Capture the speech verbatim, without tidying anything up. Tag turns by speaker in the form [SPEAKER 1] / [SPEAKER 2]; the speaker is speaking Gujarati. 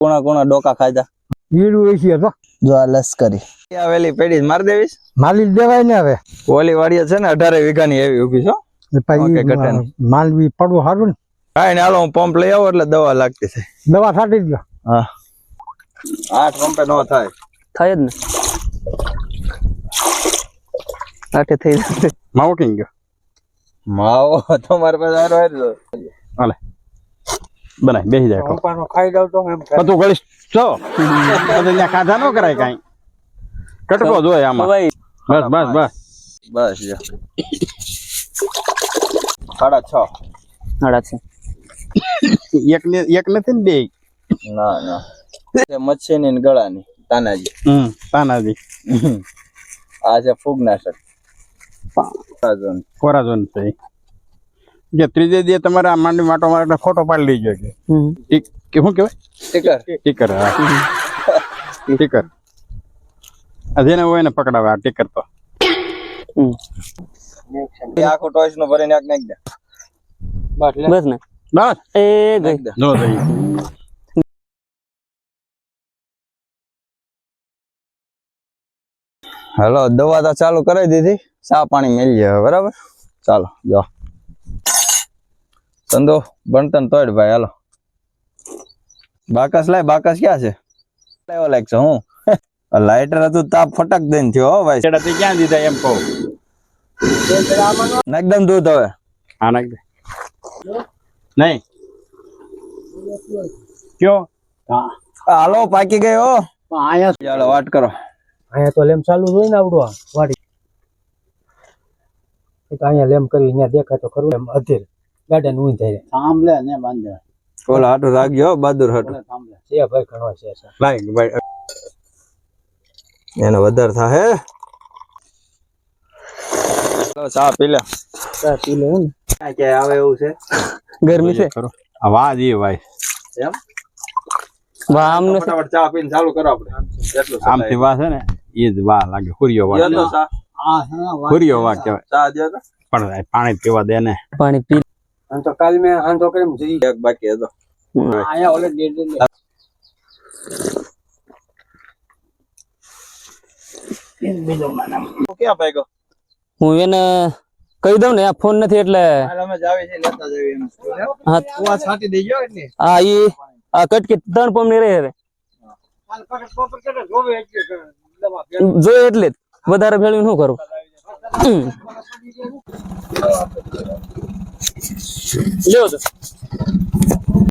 [SPEAKER 1] કોણા કોણા ડોકા ખાધા
[SPEAKER 2] વીડું એસી હતો
[SPEAKER 1] જો આ લશ્કરી આવેલી પેડી માર દેવીશ
[SPEAKER 2] માલી દેવાય ને હવે
[SPEAKER 1] ઓલી વાડીએ છે ને અઢારે વીઘાની એવી ઉભી છો ઓકે, ઘટે નહીં.
[SPEAKER 2] માલવી પડવું સારું ને
[SPEAKER 1] કાંઈ ને હાલો હું પંપ લઈ આવું એટલે દવા લાગતી છે
[SPEAKER 2] દવા છાંટી દો.
[SPEAKER 1] હા આઠ પંપે નો થાય
[SPEAKER 3] થાય જ ને આઠે થઈ જાય
[SPEAKER 4] માવો કઈ ગયો
[SPEAKER 1] માવો તમારે પાસે આરો હેરજો
[SPEAKER 4] હાલે બનાય બેસી જાય ખાવ.
[SPEAKER 2] પપ્પાનો ખાઈ જાવ તો એમ
[SPEAKER 4] બધું ગળીશ છો બધું ત્યાં ખાધા ન કરાય કાંઈ કટકો જોઈએ આમાં
[SPEAKER 3] ભાઈ
[SPEAKER 4] બસ બસ બસ
[SPEAKER 1] બસ જો સાડા છ
[SPEAKER 3] સાડા છે
[SPEAKER 4] એક ને એક નથી ને બે
[SPEAKER 1] ના ના તે મચ્છીની ને ગળાની તાનાજી
[SPEAKER 4] હમ તાનાજી
[SPEAKER 1] આ છે ફૂગનાશક તાજન
[SPEAKER 4] કોરાઝોન છે જે ત્રીજે દી તમારે આ માંડવી માટો મારે એટલે ફોટો પાડી લેજો કે ટીક કે શું કહેવાય
[SPEAKER 1] સ્ટીકર
[SPEAKER 4] ટીકર હા ટીકર આ જેને હોય ને પકડાવે આ ટીકર તો
[SPEAKER 1] એ આખો ટોયસ નો ભરીને આગ નાખ દે
[SPEAKER 3] બસ ને
[SPEAKER 4] બસ
[SPEAKER 3] એ ગઈ
[SPEAKER 1] નાખ દે
[SPEAKER 4] જો જઈ
[SPEAKER 1] હાલો દવા તો ચાલુ કરી દીધી ચા પાણી મેલી જાય બરાબર ચાલો જો ધંધો બનતન તોડ ભાઈ હાલો બાકસ લાય બાકસ ક્યાં છે લાવ્યો લાગ છે હું લાઇટર હતું તાપ ફટક દઈને થયો હો ભાઈ
[SPEAKER 4] છેડા તે ક્યાં દીધા એમ કહું
[SPEAKER 1] એકદમ દૂધ હવે
[SPEAKER 4] હા નાખ દે નહીં કયો હા
[SPEAKER 1] હાલો પાકી ગયો
[SPEAKER 4] અહીંયા
[SPEAKER 1] ચાલો વાટ કરો
[SPEAKER 2] અહીંયા તો લેમ ચાલુ હોય ને આવડું આ વાડી તો અહીંયા લેમ કરી અહીંયા દેખાય તો ખરું એમ અધીર ગાર્ડન ઊંઈ થાય
[SPEAKER 4] સાંભળે ને બાંધે
[SPEAKER 1] ઓલા હાટું રાખજો બહાદુર હાટું
[SPEAKER 4] સાંભળે
[SPEAKER 2] છે ભાઈ ઘણો છે સર
[SPEAKER 4] લાઈક ભાઈ
[SPEAKER 1] એને વધારે થાય હે ચા પી લે
[SPEAKER 3] ચા પી લે ને
[SPEAKER 1] કે આવે એવું છે
[SPEAKER 3] ગરમી છે
[SPEAKER 4] કરો આ વાહ જી ભાઈ
[SPEAKER 1] એમ
[SPEAKER 3] વાહ આમને
[SPEAKER 1] ફટાફટ ચા પીને ચાલુ કરો આપણે જેટલું
[SPEAKER 4] આમથી વાહ છે ને એ જ વાહ લાગે હુરિયો વાહ
[SPEAKER 1] તો ચા
[SPEAKER 4] હુરિયો વાહ કહેવાય
[SPEAKER 1] ચા દે તો
[SPEAKER 4] પણ પાણી પીવા દે ને
[SPEAKER 3] પાણી પી
[SPEAKER 2] અને તો કાલ મેં હાંધો કરીને જઈ
[SPEAKER 1] એક બાકી હતો
[SPEAKER 2] અહીંયા ઓલે ડેડ ડેડ
[SPEAKER 1] ક્યાં ભાગ્યો
[SPEAKER 3] હું એને કહી દઉં ને આ ફોન નથી એટલે
[SPEAKER 1] હાલ અમે જાવી છે લેતા જાવી એમ
[SPEAKER 3] હા
[SPEAKER 1] કુવા છાંટી દેજો એટલે
[SPEAKER 3] આ ઈ આ કટકી ત્રણ પમ ની રહે રે
[SPEAKER 2] કાલ પકડ પકડ કરે જોવે એટલે દવા
[SPEAKER 3] જોઈએ એટલે જ. વધારે ભેળવી શું કરું લ્યો તો